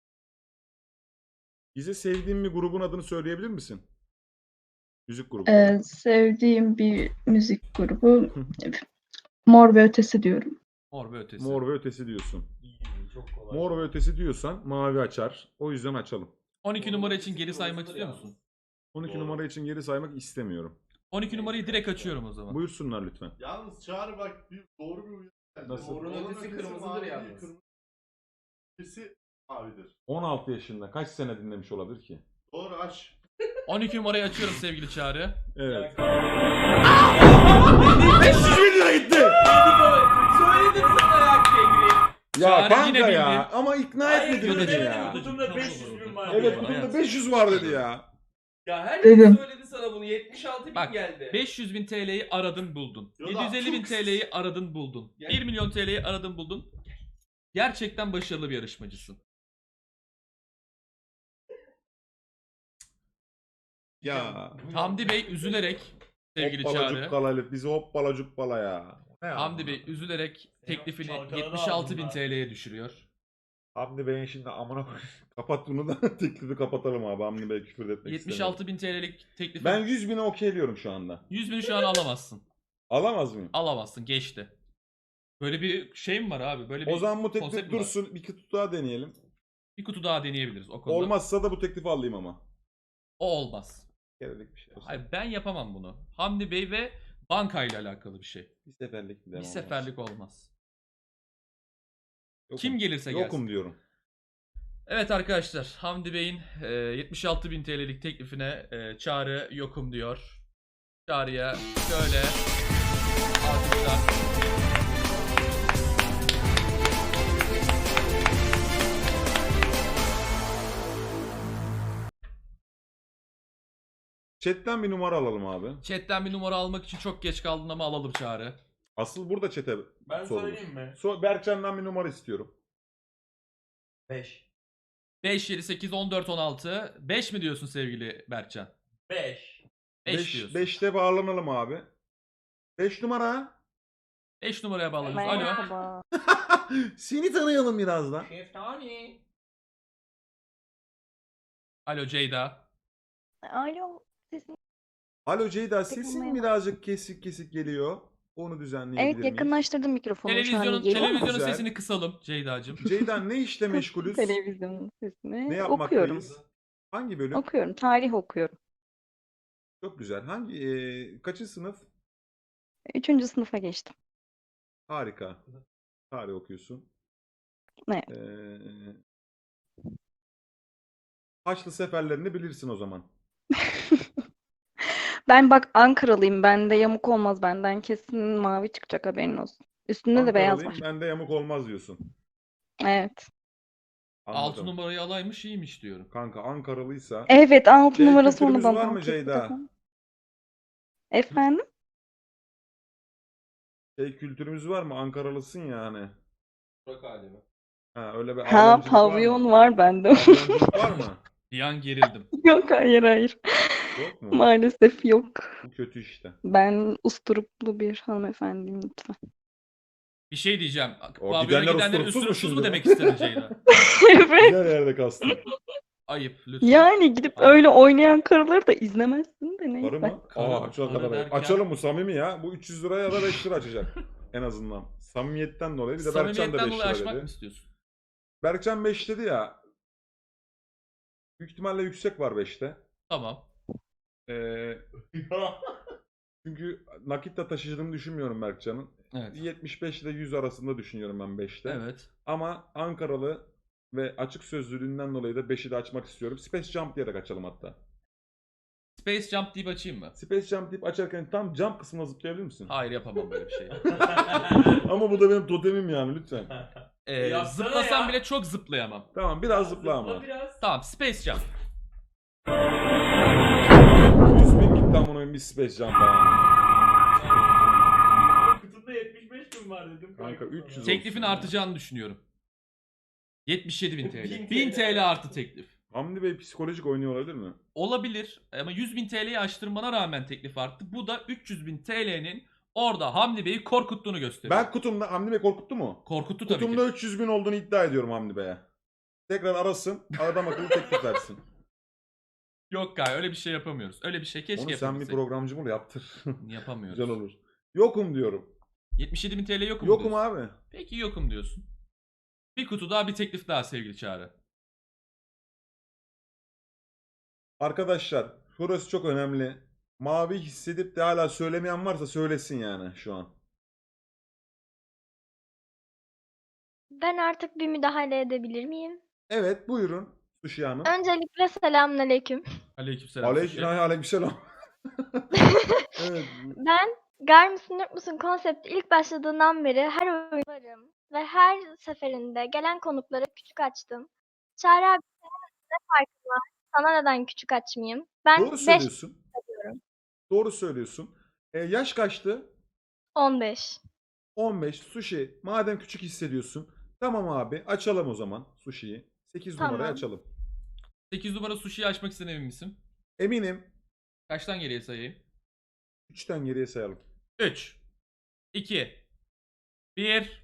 [SPEAKER 2] Bize sevdiğin bir grubun adını söyleyebilir misin? Müzik grubu.
[SPEAKER 9] Ee, sevdiğim bir müzik grubu Mor ve Ötesi diyorum.
[SPEAKER 3] Mor ve ötesi.
[SPEAKER 2] Mor ve Ötesi diyorsun.
[SPEAKER 4] İyi, çok kolay.
[SPEAKER 2] Mor ve Ötesi diyorsan mavi açar. O yüzden açalım.
[SPEAKER 3] on iki numara için geri saymak istiyor musun?
[SPEAKER 2] on iki
[SPEAKER 4] Doğru.
[SPEAKER 2] numara için geri saymak istemiyorum.
[SPEAKER 3] on iki numarayı direkt açıyorum o zaman.
[SPEAKER 2] Buyursunlar lütfen.
[SPEAKER 5] Yalnız Çağrı bak bir doğru bir uyarı geldi.
[SPEAKER 2] Nasıl?
[SPEAKER 4] Doğrunun ötesi kırmızıdır
[SPEAKER 5] mavi,
[SPEAKER 4] yalnız.
[SPEAKER 5] kırmızı ötesi mavidir.
[SPEAKER 2] on altı yaşında kaç sene dinlemiş olabilir ki?
[SPEAKER 5] Doğru aç.
[SPEAKER 3] on iki numarayı açıyorum sevgili Çağrı.
[SPEAKER 2] Evet.
[SPEAKER 3] beş yüz bin lira gitti.
[SPEAKER 4] Söyledim sana ya Kegri.
[SPEAKER 2] Ya
[SPEAKER 3] Çağrı
[SPEAKER 2] kanka
[SPEAKER 3] yine
[SPEAKER 2] ya
[SPEAKER 3] bildi.
[SPEAKER 2] ama ikna
[SPEAKER 4] Hayır
[SPEAKER 2] etmedin beni
[SPEAKER 4] demedim.
[SPEAKER 2] ya.
[SPEAKER 4] Kutumda beş yüz bin var.
[SPEAKER 2] Evet
[SPEAKER 4] dedi.
[SPEAKER 2] kutumda beş yüz var dedi ya.
[SPEAKER 4] Ya herkes
[SPEAKER 9] Dedim.
[SPEAKER 4] söyledi sana bunu. yetmiş altı bin
[SPEAKER 3] Bak,
[SPEAKER 4] geldi.
[SPEAKER 3] beş yüz bin T L'yi aradın buldun.
[SPEAKER 5] Yo da
[SPEAKER 3] yedi yüz elli bin
[SPEAKER 5] çok-
[SPEAKER 3] T L'yi aradın buldun.
[SPEAKER 4] Gel.
[SPEAKER 3] bir milyon T L'yi aradın buldun. Gerçekten başarılı bir yarışmacısın.
[SPEAKER 2] Ya.
[SPEAKER 3] Hamdi Bey üzülerek sevgili
[SPEAKER 2] Hoppala
[SPEAKER 3] Çağrı.
[SPEAKER 2] cukkala Elif bizi hoppala cukkala ya. Ne ya?
[SPEAKER 3] Hamdi Bey üzülerek teklifini
[SPEAKER 4] çalkaladı
[SPEAKER 3] yetmiş altı bin
[SPEAKER 4] ağzından.
[SPEAKER 3] T L'ye düşürüyor.
[SPEAKER 2] Hamdi Bey'in şimdi amına koy. Kapat bunu da teklifi kapatalım abi. Hamdi Bey küfür etmek
[SPEAKER 3] yetmiş
[SPEAKER 2] istemiyorum.
[SPEAKER 3] altı bin T L'lik teklifi
[SPEAKER 2] Ben yüz bine okeyliyorum şu anda.
[SPEAKER 3] yüz bini şu an alamazsın.
[SPEAKER 2] Alamaz mıyım?
[SPEAKER 3] Alamazsın, geçti. Böyle bir şey mi var abi? Böyle bir
[SPEAKER 2] O zaman bu
[SPEAKER 3] konsept
[SPEAKER 2] teklif
[SPEAKER 3] mi var?
[SPEAKER 2] dursun. Bir kutu daha deneyelim.
[SPEAKER 3] Bir kutu daha deneyebiliriz o konuda.
[SPEAKER 2] Olmazsa da bu teklifi alayım ama.
[SPEAKER 3] O olmaz.
[SPEAKER 2] Kerelik bir şey olsun.
[SPEAKER 3] Hayır, ben yapamam bunu. Hamdi Bey ve bankayla alakalı bir şey.
[SPEAKER 2] Bir seferlik bir
[SPEAKER 3] Bir
[SPEAKER 2] devam
[SPEAKER 3] seferlik
[SPEAKER 2] olsun.
[SPEAKER 3] olmaz.
[SPEAKER 2] Yokum.
[SPEAKER 3] Kim gelirse gelsin.
[SPEAKER 2] Yokum diyorum.
[SPEAKER 3] Evet arkadaşlar, Hamdi Bey'in e, yetmiş altı bin T L'lik teklifine e, Çağrı yokum diyor. Çağrı'ya şöyle alkışlar.
[SPEAKER 2] Chat'ten bir numara alalım abi.
[SPEAKER 3] Chat'ten bir numara almak için çok geç kaldın ama alalım Çağrı.
[SPEAKER 2] Asıl burada chat'e
[SPEAKER 4] Ben
[SPEAKER 2] sorulur.
[SPEAKER 4] söyleyeyim mi?
[SPEAKER 2] So Berkcan'dan bir numara istiyorum.
[SPEAKER 4] beş.
[SPEAKER 3] beş, yedi, sekiz, on dört, on altı. beş mi diyorsun sevgili Berkcan?
[SPEAKER 4] beş.
[SPEAKER 3] beş diyorsun.
[SPEAKER 2] beşte bağlanalım abi. beş numara.
[SPEAKER 3] beş numaraya bağlanıyoruz. Alo.
[SPEAKER 1] Merhaba.
[SPEAKER 2] Seni tanıyalım biraz da.
[SPEAKER 4] Şeftali.
[SPEAKER 3] Alo Ceyda.
[SPEAKER 1] Alo. Sesin
[SPEAKER 2] Alo Ceyda
[SPEAKER 1] Peki,
[SPEAKER 2] sesin
[SPEAKER 1] merhaba.
[SPEAKER 2] birazcık kesik kesik geliyor. Onu düzenleyebilir
[SPEAKER 9] Evet
[SPEAKER 2] miyiz?
[SPEAKER 9] yakınlaştırdım mikrofonu şu an.
[SPEAKER 3] Televizyonun,
[SPEAKER 9] Geliyor mu?
[SPEAKER 3] televizyonun
[SPEAKER 2] Güzel.
[SPEAKER 3] sesini kısalım Ceyda'cığım.
[SPEAKER 2] Ceyda ne işle meşgulüz?
[SPEAKER 9] Televizyonun sesini.
[SPEAKER 2] Ne
[SPEAKER 9] Okuyorum.
[SPEAKER 2] yapmaktayız? Hangi bölüm?
[SPEAKER 9] Okuyorum. Tarih okuyorum.
[SPEAKER 2] Çok güzel. Hangi e, kaçıncı sınıf?
[SPEAKER 9] Üçüncü sınıfa geçtim.
[SPEAKER 2] Harika. Tarih okuyorsun.
[SPEAKER 9] Evet.
[SPEAKER 2] Ee, Haçlı seferlerini bilirsin o zaman.
[SPEAKER 9] Ben bak Ankaralıyım. Bende yamuk olmaz. Benden kesin mavi çıkacak, haberin olsun. Üstünde de beyaz
[SPEAKER 2] Ankaralıyım,
[SPEAKER 9] var.
[SPEAKER 2] bende yamuk olmaz diyorsun.
[SPEAKER 9] Evet.
[SPEAKER 3] Altı
[SPEAKER 2] Anladım.
[SPEAKER 3] numarayı alaymış iyiymiş diyorum.
[SPEAKER 2] Kanka Ankaralıysa.
[SPEAKER 9] Evet altı
[SPEAKER 2] Şey,
[SPEAKER 9] numarası
[SPEAKER 2] kültürümüz
[SPEAKER 9] onu
[SPEAKER 2] var
[SPEAKER 9] bana
[SPEAKER 2] mı
[SPEAKER 9] kesin
[SPEAKER 2] Ceyda?
[SPEAKER 9] desem. Efendim?
[SPEAKER 2] Şey, kültürümüz var mı? Ankaralısın ya hani.
[SPEAKER 3] Burak alemi.
[SPEAKER 2] Ha, öyle bir
[SPEAKER 9] Ha
[SPEAKER 2] alemcilik var
[SPEAKER 9] pavyon
[SPEAKER 2] mı?
[SPEAKER 9] var bende.
[SPEAKER 2] Pavyonculuk var mı?
[SPEAKER 3] Bir an gerildim.
[SPEAKER 9] Yok hayır hayır.
[SPEAKER 2] Yok mu?
[SPEAKER 9] Maalesef yok.
[SPEAKER 2] Bu kötü işte.
[SPEAKER 9] Ben usturuplu bir hanımefendiyim lütfen.
[SPEAKER 3] Bir şey diyeceğim.
[SPEAKER 2] O
[SPEAKER 3] Pavyona
[SPEAKER 2] gidenler
[SPEAKER 3] gidenler
[SPEAKER 2] usturupsuz mu
[SPEAKER 3] üstürupsüz
[SPEAKER 2] şimdi?
[SPEAKER 3] mu demek istedin Ceyda?
[SPEAKER 9] Evet.
[SPEAKER 2] Güzel yerde kastım.
[SPEAKER 3] Ayıp lütfen.
[SPEAKER 9] Yani gidip öyle oynayan karıları da izlemezsin de neyse.
[SPEAKER 2] Karı mı?
[SPEAKER 3] Karı
[SPEAKER 2] Aa,
[SPEAKER 3] mı?
[SPEAKER 2] çok
[SPEAKER 3] Karı
[SPEAKER 2] kadar.
[SPEAKER 3] derken-
[SPEAKER 2] Açalım bu samimi ya. Bu üç yüz liraya ya da beş lira açacak. En azından. Samimiyetten dolayı. Bir de Berkcan da
[SPEAKER 3] Samimiyetten
[SPEAKER 2] beş
[SPEAKER 3] dolayı
[SPEAKER 2] lira
[SPEAKER 3] aşmak mı
[SPEAKER 2] dedi.
[SPEAKER 3] istiyorsun?
[SPEAKER 2] Berkcan beş dedi ya. Büyük ihtimalle yüksek var beşte.
[SPEAKER 3] Tamam.
[SPEAKER 2] Ee, çünkü nakitle taşıdığını düşünmüyorum Berkcan'ın.
[SPEAKER 3] Evet.
[SPEAKER 2] yetmiş beş ile yüz arasında düşünüyorum ben beşte.
[SPEAKER 3] Evet.
[SPEAKER 2] Ama Ankaralı ve açık sözlülüğünden dolayı da beşi de açmak istiyorum. Space Jump diyerek açalım hatta.
[SPEAKER 3] Space Jump deyip açayım mı?
[SPEAKER 2] Space Jump deyip açarken tam jump kısmına zıplayabilir misin?
[SPEAKER 3] Hayır yapamam böyle bir şey.
[SPEAKER 2] Ama bu da benim totemim yani lütfen.
[SPEAKER 3] Ee,
[SPEAKER 4] Yapsana
[SPEAKER 3] zıplasam
[SPEAKER 4] ya.
[SPEAKER 3] bile çok zıplayamam.
[SPEAKER 2] Tamam biraz zıpla ama.
[SPEAKER 4] Zıpla biraz.
[SPEAKER 3] Tamam Space Jump.
[SPEAKER 2] yüz bin gitti amına koyayım bir Space Jump'a.
[SPEAKER 4] Kutunda yetmiş beş bin var dedim.
[SPEAKER 2] Kanka üç yüz
[SPEAKER 3] Teklifin
[SPEAKER 2] olsun ya.
[SPEAKER 3] artacağını düşünüyorum. yetmiş yedi bin
[SPEAKER 4] bin
[SPEAKER 3] TL. bin TL artı teklif.
[SPEAKER 2] Hamdi Bey psikolojik oynuyor olabilir mi?
[SPEAKER 3] Olabilir ama yüz bin TL'yi aştırmana rağmen teklif arttı. Bu da üç yüz bin T L'nin orada Hamdi Bey'i korkuttuğunu gösteriyor.
[SPEAKER 2] Ben kutumda Hamdi Bey korkuttu mu?
[SPEAKER 3] Korkuttu tabii
[SPEAKER 2] Kutumda
[SPEAKER 3] ki.
[SPEAKER 2] üç yüz bin olduğunu iddia ediyorum Hamdi Bey'e. Tekrar arasın. Adam akıllı teklif versin.
[SPEAKER 3] Yok gay öyle bir şey yapamıyoruz. Öyle bir şey keşke
[SPEAKER 2] Onu sen bir
[SPEAKER 3] yapabilsek.
[SPEAKER 2] programcı bul yaptır.
[SPEAKER 3] Yapamıyoruz.
[SPEAKER 2] Güzel olur. Yokum diyorum.
[SPEAKER 3] yetmiş yedi bin TL yokum
[SPEAKER 2] Yokum
[SPEAKER 3] diyorsun.
[SPEAKER 2] abi.
[SPEAKER 3] Peki yokum diyorsun. Bir kutu daha bir teklif daha sevgili Çağrı.
[SPEAKER 2] Arkadaşlar şurası çok önemli. Mavi hissedip de hala söylemeyen varsa söylesin yani şu an.
[SPEAKER 10] Ben artık bir müdahale edebilir miyim?
[SPEAKER 2] Evet buyurun Sushi Hanım.
[SPEAKER 10] Öncelikle selamünaleyküm.
[SPEAKER 3] Aleykümselam.
[SPEAKER 2] Aleyküm,
[SPEAKER 3] Sushi.
[SPEAKER 2] aleykümselam. Evet.
[SPEAKER 10] Ben Gar mısın Yok musun konsepti ilk başladığından beri her oyunlarım ve her seferinde gelen konuklara küçük açtım. Çağrı abi senin ne farkın var? Sana neden küçük açmayayım? Ben
[SPEAKER 2] Doğru
[SPEAKER 10] beş
[SPEAKER 2] söylüyorsun.
[SPEAKER 10] diyorum.
[SPEAKER 2] Doğru söylüyorsun. E, yaş kaçtı?
[SPEAKER 10] on beş.
[SPEAKER 2] on beş. Sushi. Madem küçük hissediyorsun. Tamam abi açalım o zaman Sushi'yi. sekiz
[SPEAKER 10] Tamam.
[SPEAKER 2] numarayı açalım.
[SPEAKER 3] sekiz numara sushi'yi açmak istediğine emin misin?
[SPEAKER 2] Eminim.
[SPEAKER 3] Kaçtan geriye sayayım?
[SPEAKER 2] üçten geriye sayalım.
[SPEAKER 3] üç, iki, bir.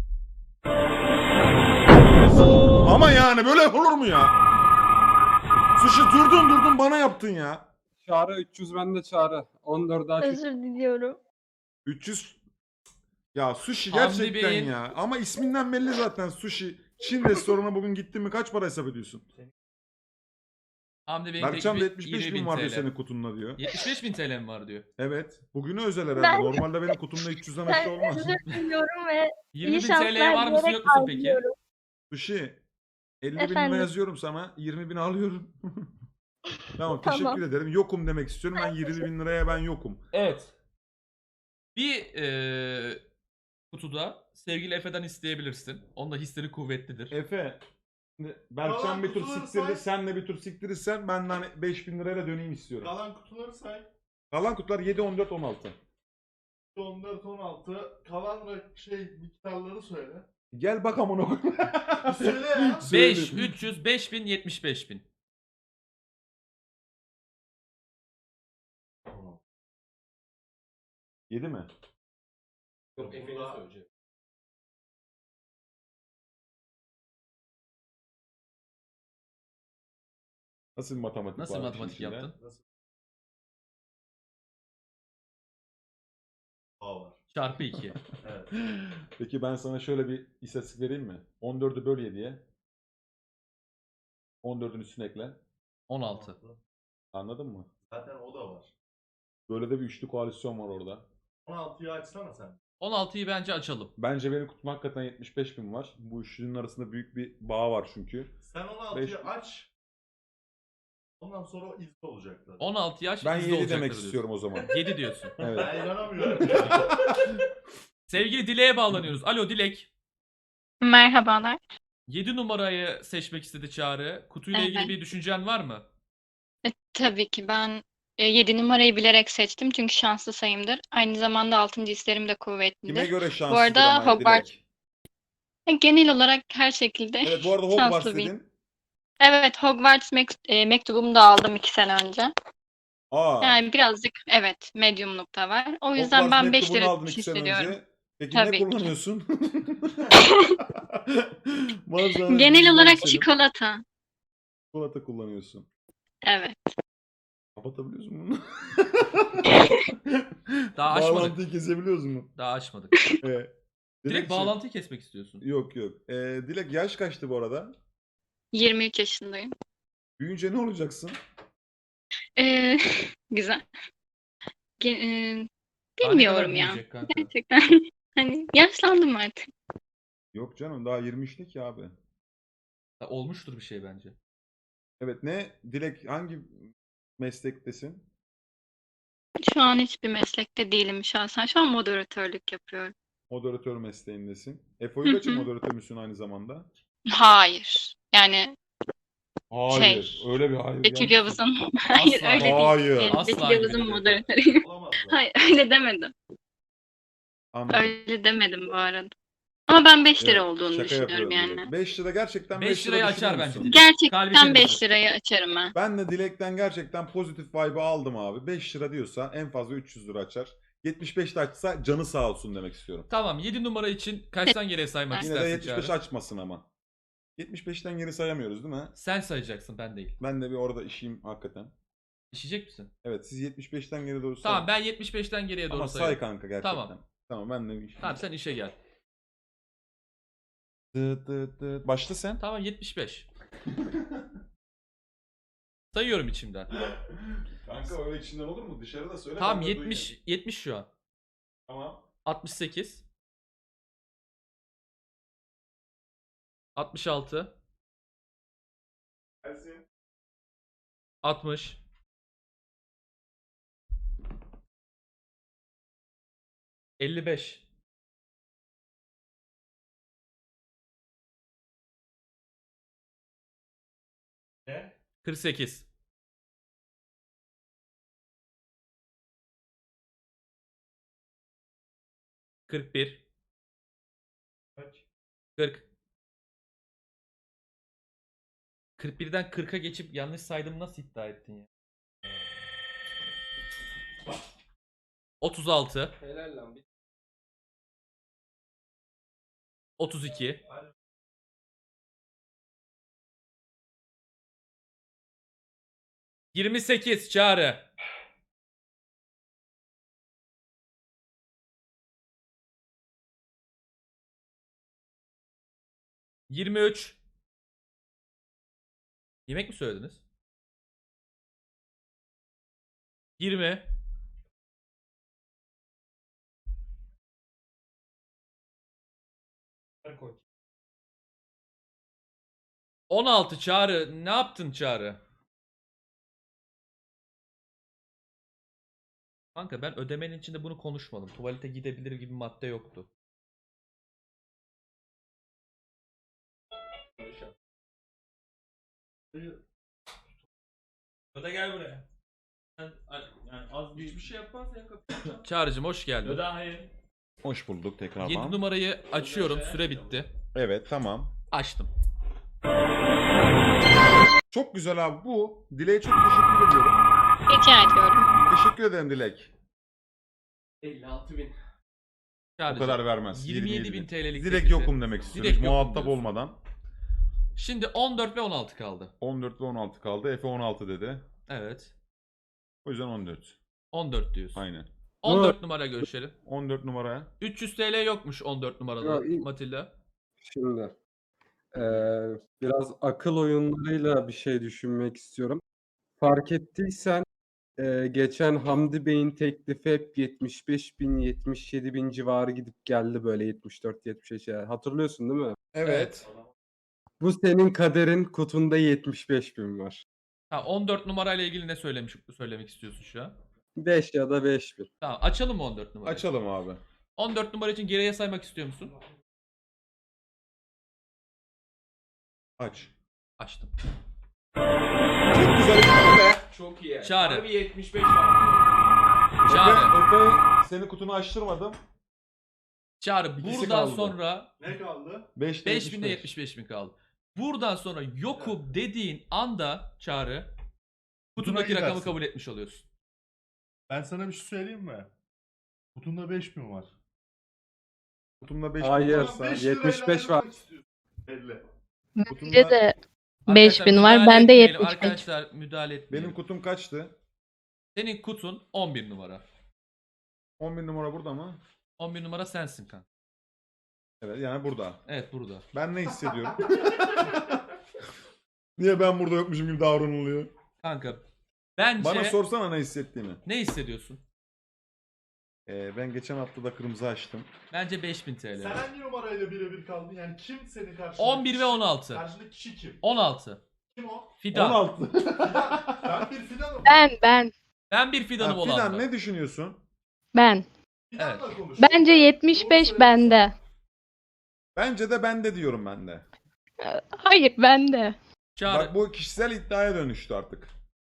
[SPEAKER 2] Ama yani böyle olur mu ya? Sushi durdun durdun bana yaptın ya.
[SPEAKER 11] Çağrı üç yüz bende Çağrı. on dört daha
[SPEAKER 10] Özür diliyorum.
[SPEAKER 2] üç yüz. Ya Sushi
[SPEAKER 3] Hamdi
[SPEAKER 2] gerçekten
[SPEAKER 3] Bey'in-
[SPEAKER 2] ya. Ama isminden belli zaten Sushi. Çin restoranına bugün gittin mi kaç para hesap ediyorsun?
[SPEAKER 3] Hamdi Bey'in
[SPEAKER 2] Berkcan da
[SPEAKER 3] teklifi
[SPEAKER 2] yetmiş beş
[SPEAKER 3] yirmi
[SPEAKER 2] bin var diyor
[SPEAKER 3] T L.
[SPEAKER 2] senin kutunla diyor.
[SPEAKER 3] yetmiş beş bin T L mi var diyor.
[SPEAKER 2] Evet. Bugünü özel herhalde.
[SPEAKER 10] Ben-
[SPEAKER 2] Normalde benim kutumda üç yüzden aşağı
[SPEAKER 10] Ben
[SPEAKER 2] olmaz.
[SPEAKER 10] özür diliyorum ve
[SPEAKER 3] yirmi
[SPEAKER 10] iyi
[SPEAKER 3] bin T L'ye
[SPEAKER 10] şanslar
[SPEAKER 3] var mısın
[SPEAKER 10] diyerek
[SPEAKER 3] yok musun peki?
[SPEAKER 10] ayrılıyorum.
[SPEAKER 2] Sushi. elli bin lira
[SPEAKER 10] Efendim?
[SPEAKER 2] yazıyorum sana. yirmi bin alıyorum. Tamam teşekkür
[SPEAKER 10] Tamam.
[SPEAKER 2] ederim. Yokum demek istiyorum. Ben yirmi bin liraya ben yokum.
[SPEAKER 3] Evet. Bir eee kutuda sevgili Efe'den isteyebilirsin. Onun da hisleri kuvvetlidir.
[SPEAKER 2] Efe. şimdi Berkcan
[SPEAKER 5] Kalan
[SPEAKER 2] bir tur
[SPEAKER 5] kutuları
[SPEAKER 2] siktirdi.
[SPEAKER 5] say.
[SPEAKER 2] Sen de bir tur siktirirsen ben de hani beş bin lirayla döneyim istiyorum.
[SPEAKER 5] Kalan kutuları say.
[SPEAKER 2] Kalan kutular yedi, on dört, on altı.
[SPEAKER 5] on dört on altı. Kalan rak- şey miktarları söyle.
[SPEAKER 2] Gel bak amına koyayım.
[SPEAKER 5] Söyle ya.
[SPEAKER 3] beş,
[SPEAKER 2] Söyle.
[SPEAKER 3] üç yüz, beş bin, yetmiş beş bin.
[SPEAKER 2] yedi mi?
[SPEAKER 3] Yok
[SPEAKER 5] Efe'nin söyleyeceği.
[SPEAKER 2] Nasıl bir matematik
[SPEAKER 3] Nasıl
[SPEAKER 2] var
[SPEAKER 3] matematik
[SPEAKER 2] işin içinde?
[SPEAKER 3] yaptın?
[SPEAKER 5] A var.
[SPEAKER 3] Çarpı iki.
[SPEAKER 4] Evet.
[SPEAKER 2] Peki ben sana şöyle bir istatistik vereyim mi? on dördü böl yediye. on dördün üstüne ekle.
[SPEAKER 3] on altı.
[SPEAKER 2] Anladın mı?
[SPEAKER 5] Zaten o da var.
[SPEAKER 2] Böyle de bir üçlü koalisyon var orada.
[SPEAKER 5] on altıyı açsana sen.
[SPEAKER 3] on altıyı bence açalım.
[SPEAKER 2] Bence benim kutum hakikaten yetmiş beş bin var. Bu üçlünün arasında büyük bir bağ var çünkü.
[SPEAKER 5] Sen on altıyı
[SPEAKER 2] Beş-
[SPEAKER 5] aç. Ondan sonra o izle olacaktı.
[SPEAKER 3] on altı yaş
[SPEAKER 2] Ben
[SPEAKER 3] bizde
[SPEAKER 2] yedi
[SPEAKER 3] olacaktır
[SPEAKER 2] demek
[SPEAKER 3] diyorsun.
[SPEAKER 2] istiyorum o zaman.
[SPEAKER 3] yedi diyorsun.
[SPEAKER 2] Evet.
[SPEAKER 5] Ben inanamıyorum.
[SPEAKER 3] Sevgili Dilek'e bağlanıyoruz. Alo Dilek.
[SPEAKER 10] Merhabalar.
[SPEAKER 3] yedi numarayı seçmek istedi Çağrı. Kutuyla ilgili
[SPEAKER 10] Evet.
[SPEAKER 3] bir düşüncen var mı?
[SPEAKER 10] E, tabii ki ben yedi numarayı bilerek seçtim çünkü şanslı sayımdır. Aynı zamanda altıncı hislerim de kuvvetlidir.
[SPEAKER 2] Kime göre şanslıdır
[SPEAKER 10] arada
[SPEAKER 2] ama
[SPEAKER 10] Hogwarts-
[SPEAKER 2] Dilek?
[SPEAKER 10] E, Genel olarak her şekilde
[SPEAKER 2] Evet bu arada Hogwarts
[SPEAKER 10] şanslı bir.
[SPEAKER 2] dedin.
[SPEAKER 10] Evet, Hogwarts mek- e, mektubumu da aldım iki sene önce.
[SPEAKER 2] Aa.
[SPEAKER 10] Yani birazcık evet medyumlukta var. O yüzden
[SPEAKER 2] Hogwarts
[SPEAKER 10] ben beş
[SPEAKER 2] mektubunu
[SPEAKER 10] lira
[SPEAKER 2] aldın iki sene
[SPEAKER 10] hissediyorum.
[SPEAKER 2] önce. Peki
[SPEAKER 10] Tabii
[SPEAKER 2] ne
[SPEAKER 10] ki.
[SPEAKER 2] kullanıyorsun? Bazen
[SPEAKER 10] Genel
[SPEAKER 2] bizden
[SPEAKER 10] olarak
[SPEAKER 2] senin
[SPEAKER 10] çikolata.
[SPEAKER 2] Çikolata kullanıyorsun.
[SPEAKER 10] Evet.
[SPEAKER 2] Kapatabiliyorsun bunu.
[SPEAKER 3] Daha açmadık.
[SPEAKER 2] Bağlantıyı kesebiliyoruz mu?
[SPEAKER 3] Daha açmadık.
[SPEAKER 2] Evet.
[SPEAKER 3] Direkt
[SPEAKER 2] Dilekçim-
[SPEAKER 3] bağlantıyı kesmek istiyorsun.
[SPEAKER 2] Yok yok. Ee, Dilek yaş kaçtı bu arada?
[SPEAKER 10] yirmi üç yaşındayım.
[SPEAKER 2] Büyüyünce ne olacaksın?
[SPEAKER 10] Ee, güzel. Ge- e,
[SPEAKER 3] Daha ne
[SPEAKER 10] bilmiyorum
[SPEAKER 3] kadar
[SPEAKER 10] ya.
[SPEAKER 3] büyüyecek kanka?
[SPEAKER 10] Gerçekten. Hani yaşlandım artık.
[SPEAKER 2] Yok canım daha yirmi üçte ki abi.
[SPEAKER 3] Ya olmuştur bir şey bence.
[SPEAKER 2] Evet ne? Dilek hangi meslektesin?
[SPEAKER 10] Şu an hiçbir meslekte değilim şahsen. Şu an moderatörlük yapıyorum.
[SPEAKER 2] Moderatör mesleğindesin.
[SPEAKER 10] Hı
[SPEAKER 2] Efo'yu kaçı
[SPEAKER 10] hı.
[SPEAKER 2] moderatör müsün aynı zamanda?
[SPEAKER 10] Hayır. Yani
[SPEAKER 2] Hayır.
[SPEAKER 10] Şey,
[SPEAKER 2] Öyle bir hayır.
[SPEAKER 10] Betül
[SPEAKER 2] yanlış.
[SPEAKER 10] Yavuz'un hayır
[SPEAKER 3] Asla.
[SPEAKER 10] öyle değil.
[SPEAKER 2] Hayır.
[SPEAKER 10] Ee,
[SPEAKER 3] Asla
[SPEAKER 10] Betül Yavuz'un
[SPEAKER 3] gibi.
[SPEAKER 10] moderatörüyüm.
[SPEAKER 5] Olamaz zaten.
[SPEAKER 10] Hayır öyle demedim.
[SPEAKER 2] Anladım.
[SPEAKER 10] Öyle demedim bu arada. Ama ben beş lira
[SPEAKER 2] Evet,
[SPEAKER 10] olduğunu
[SPEAKER 2] şaka
[SPEAKER 10] düşünüyorum
[SPEAKER 2] yapıyorum
[SPEAKER 10] yani.
[SPEAKER 2] Dilek. beş lira gerçekten
[SPEAKER 3] beş
[SPEAKER 2] beş lira
[SPEAKER 3] lirayı
[SPEAKER 2] düşünüyor
[SPEAKER 3] açar
[SPEAKER 2] musun?
[SPEAKER 3] bence. Kalbi
[SPEAKER 10] Gerçekten
[SPEAKER 3] temiz.
[SPEAKER 10] beş lirayı açarım ben.
[SPEAKER 2] Ben de Dilek'ten gerçekten pozitif vibe'ı aldım abi. beş lira diyorsa en fazla üç yüz lira açar. yetmiş beşte açsa canı sağ olsun demek istiyorum.
[SPEAKER 3] Tamam yedi numara için kaçtan geriye saymak
[SPEAKER 2] Yine de
[SPEAKER 3] istersin
[SPEAKER 2] yetmiş beş
[SPEAKER 3] Çağrı?
[SPEAKER 2] açmasın ama. yetmiş beşten geri sayamıyoruz değil mi?
[SPEAKER 3] Sen sayacaksın ben değil.
[SPEAKER 2] Ben de bir orada işeyim hakikaten.
[SPEAKER 3] İşecek misin?
[SPEAKER 2] Evet siz yetmiş beşten geri doğru sayın.
[SPEAKER 3] Tamam ben yetmiş beşten geriye doğru
[SPEAKER 2] Ama say
[SPEAKER 3] sayıyorum.
[SPEAKER 2] kanka gerçekten.
[SPEAKER 3] Tamam.
[SPEAKER 2] Tamam ben de bir işeyim.
[SPEAKER 3] Tamam sen işe gel.
[SPEAKER 2] Dıt dıt dıt. Başla sen.
[SPEAKER 3] Tamam yetmiş beş. Sayıyorum içimden.
[SPEAKER 2] Kanka öyle içinden olur mu? Dışarıda söyle.
[SPEAKER 3] Tamam
[SPEAKER 2] ben de
[SPEAKER 3] yetmiş
[SPEAKER 2] duyayım.
[SPEAKER 3] yetmiş şu an.
[SPEAKER 2] Tamam.
[SPEAKER 3] altmış sekiz. altmış altı.
[SPEAKER 2] Gelsin.
[SPEAKER 3] altmış. elli beş.
[SPEAKER 4] Ne?
[SPEAKER 3] kırk sekiz. kırk bir.
[SPEAKER 4] Kaç?
[SPEAKER 3] kırk. kırk birden kırka geçip yanlış saydım nasıl iddia ettin ya? otuz altı.
[SPEAKER 11] Helal lan. Bir-
[SPEAKER 3] otuz iki. yirmi sekiz Çağrı. yirmi üç. Yemek mi söylediniz? yirmi.
[SPEAKER 4] Koy.
[SPEAKER 3] on altı Çağrı. Ne yaptın Çağrı? Kanka ben ödemenin içinde bunu konuşmadım. Tuvalete gidebilir gibi madde yoktu.
[SPEAKER 4] Öde gel buraya. Sen, yani az bir
[SPEAKER 5] Hiçbir şey yapmaz ya kapı.
[SPEAKER 3] Çağrı'cım hoş geldin.
[SPEAKER 4] Öde hayır.
[SPEAKER 2] Hoş bulduk tekrardan.
[SPEAKER 3] yedi numarayı açıyorum. Süre bitti.
[SPEAKER 2] Evet tamam.
[SPEAKER 3] Açtım.
[SPEAKER 2] Çok güzel abi bu. Dilek'e çok teşekkür ediyorum.
[SPEAKER 10] Rica ediyorum.
[SPEAKER 2] Teşekkür ederim Dilek.
[SPEAKER 11] elli altı bin.
[SPEAKER 2] O
[SPEAKER 3] Çağrı'cım,
[SPEAKER 2] kadar vermez.
[SPEAKER 3] yirmi yedi bin
[SPEAKER 2] bin.
[SPEAKER 3] T L'lik
[SPEAKER 2] Direkt
[SPEAKER 3] teklifi.
[SPEAKER 2] yokum demek istiyorum.
[SPEAKER 3] Direkt
[SPEAKER 2] Hiç
[SPEAKER 3] yokum
[SPEAKER 2] muhatap
[SPEAKER 3] diyorsun.
[SPEAKER 2] olmadan.
[SPEAKER 3] Şimdi on dört ve on altı kaldı.
[SPEAKER 2] on dört ve on altı kaldı. Efe on altı dedi.
[SPEAKER 3] Evet.
[SPEAKER 2] O yüzden on dört.
[SPEAKER 3] on dört diyorsun.
[SPEAKER 2] Aynen.
[SPEAKER 3] on dört numara görüşelim.
[SPEAKER 2] on dört numaraya.
[SPEAKER 3] üç yüz T L yokmuş on dört numarada
[SPEAKER 12] Ya, iyi.
[SPEAKER 3] Matilda.
[SPEAKER 12] Şimdi eee, biraz akıl oyunlarıyla bir şey düşünmek istiyorum. Fark ettiysen eee, geçen Hamdi Bey'in teklifi hep yetmiş beş bin yetmiş yedi bin civarı gidip geldi böyle yetmiş dört yetmiş beş. Yani hatırlıyorsun değil mi?
[SPEAKER 2] Evet.
[SPEAKER 12] Bu senin kaderin, kutunda yetmiş beş bin var.
[SPEAKER 3] Ha, on dört numarayla ilgili ne söylemiş söylemek istiyorsun şu an?
[SPEAKER 12] beş ya da beş bin.
[SPEAKER 3] Tamam, açalım mı on dört numarayı?
[SPEAKER 2] Açalım abi.
[SPEAKER 3] on dört numara için geriye saymak istiyor musun?
[SPEAKER 2] Aç.
[SPEAKER 3] Açtım.
[SPEAKER 2] Çok güzel bir be.
[SPEAKER 11] Çok iyi.
[SPEAKER 3] Çağrı.
[SPEAKER 11] Harbi yetmiş beş var.
[SPEAKER 3] Çağrı.
[SPEAKER 2] Efe, Efe seni kutunu açtırmadım.
[SPEAKER 3] Çağrı
[SPEAKER 2] İkisi
[SPEAKER 3] buradan
[SPEAKER 2] kaldı.
[SPEAKER 3] sonra
[SPEAKER 5] Ne kaldı?
[SPEAKER 2] beşte
[SPEAKER 3] beş binde yetmiş beş bin kaldı. Buradan sonra yokum dediğin anda Çağrı kutundaki
[SPEAKER 5] Kutuna
[SPEAKER 3] rakamı
[SPEAKER 5] gidersin.
[SPEAKER 3] kabul etmiş oluyorsun.
[SPEAKER 5] Ben sana bir şey söyleyeyim mi? Kutunda beş bin var.
[SPEAKER 2] Kutumda beş
[SPEAKER 12] Hayır,
[SPEAKER 2] varsa
[SPEAKER 5] beş
[SPEAKER 12] yetmiş beş
[SPEAKER 5] lirayla
[SPEAKER 12] var.
[SPEAKER 5] ayrılmak istiyorsun. Belli.
[SPEAKER 7] Bence de
[SPEAKER 3] Arkadaşlar,
[SPEAKER 7] beş bin var.
[SPEAKER 3] müdahale
[SPEAKER 7] Bende
[SPEAKER 3] etmeyelim.
[SPEAKER 7] yetmiş beş.
[SPEAKER 3] Arkadaşlar müdahale etmeyelim.
[SPEAKER 2] benim kutum kaçtı?
[SPEAKER 3] Senin kutun on bir numara.
[SPEAKER 2] on bir numara burada mı?
[SPEAKER 3] on bir numara sensin kanka.
[SPEAKER 2] Evet yani burada.
[SPEAKER 3] Evet burada.
[SPEAKER 2] Ben ne hissediyorum? Niye ben burada yokmuşum gibi davranılıyor?
[SPEAKER 3] Kanka bence
[SPEAKER 2] Bana sorsana ne hissettiğimi.
[SPEAKER 3] ne hissediyorsun?
[SPEAKER 2] Ee, ben geçen hafta da kırmızı açtım.
[SPEAKER 3] Bence beş bin T L.
[SPEAKER 5] Sen hangi numarayla birebir kaldın? Yani kim senin karşında?
[SPEAKER 3] on bir ve on altı.
[SPEAKER 5] Karşındaki kişi kim?
[SPEAKER 3] on altı.
[SPEAKER 5] Kim o?
[SPEAKER 3] Fidan.
[SPEAKER 2] on altı.
[SPEAKER 5] Fidan. Ben bir Fidan'ım.
[SPEAKER 7] Ben ben
[SPEAKER 3] Ben bir fidanım
[SPEAKER 2] Ha,
[SPEAKER 3] olan.
[SPEAKER 2] Fidan ne düşünüyorsun?
[SPEAKER 7] ben.
[SPEAKER 5] Fidan'la konuş.
[SPEAKER 7] Bence yetmiş
[SPEAKER 5] Doğru
[SPEAKER 7] beş
[SPEAKER 5] söylüyorsun.
[SPEAKER 7] bende.
[SPEAKER 2] Bence de bende diyorum ben de.
[SPEAKER 7] Hayır bende.
[SPEAKER 3] Çağrı,
[SPEAKER 2] Bak bu kişisel iddiaya dönüştü artık.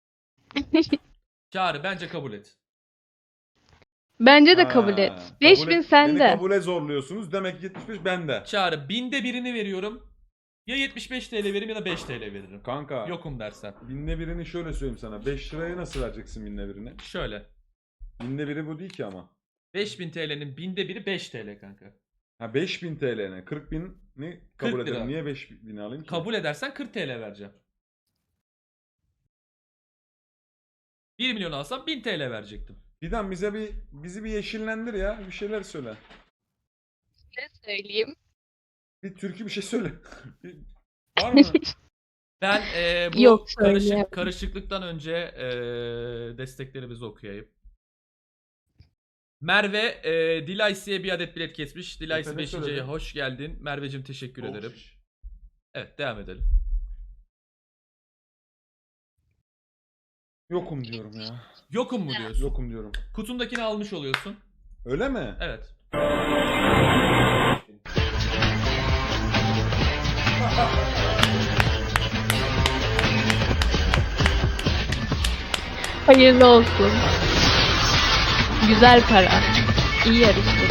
[SPEAKER 3] Çağrı bence kabul et.
[SPEAKER 7] Bence de
[SPEAKER 2] Ha,
[SPEAKER 7] kabul et.
[SPEAKER 2] kabul
[SPEAKER 7] beş bin
[SPEAKER 2] et- Beni
[SPEAKER 7] sende.
[SPEAKER 2] kabule zorluyorsunuz. Demek ki yetmiş beş bende.
[SPEAKER 3] Çağrı binde birini veriyorum. Ya yetmiş beş T L veririm ya da beş T L veririm.
[SPEAKER 2] Kanka.
[SPEAKER 3] Yokum dersen.
[SPEAKER 2] Binde birini şöyle söyleyeyim sana. beş liraya nasıl vereceksin binde birini?
[SPEAKER 3] Şöyle.
[SPEAKER 2] Binde biri bu değil ki ama.
[SPEAKER 3] beş bin T L'nin binde biri beş T L kanka.
[SPEAKER 2] Ha beş bin T L'ne. kırk bin ni kabul
[SPEAKER 3] kırk lira.
[SPEAKER 2] ederim. Niye beş bini alayım ki?
[SPEAKER 3] Kabul edersen kırk T L vereceğim. bir milyon alsam bin T L verecektim.
[SPEAKER 2] Fidan bize bir bizi bir yeşillendir ya. Bir şeyler söyle.
[SPEAKER 7] Ne söyleyeyim?
[SPEAKER 2] Bir türkü bir şey söyle. Bir- Var mı?
[SPEAKER 3] Ben eee, bu
[SPEAKER 7] Yok,
[SPEAKER 3] karışık,
[SPEAKER 7] söyleyemem.
[SPEAKER 3] karışıklıktan önce eee, desteklerimizi okuyayım. Merve eee Dilaysi'ye bir adet bilet kesmiş. Dilaysi
[SPEAKER 2] Efendim,
[SPEAKER 3] beşinciye
[SPEAKER 2] söyledim.
[SPEAKER 3] hoş geldin. Merveciğim teşekkür ederim.
[SPEAKER 5] Olmuş.
[SPEAKER 3] Evet devam edelim.
[SPEAKER 2] Yokum diyorum ya.
[SPEAKER 3] Yokum mu diyorsun?
[SPEAKER 2] Yokum diyorum.
[SPEAKER 3] Kutundakini almış oluyorsun.
[SPEAKER 2] Öyle mi?
[SPEAKER 3] Evet.
[SPEAKER 7] Hayırlı olsun. Güzel para. İyi yarıştın.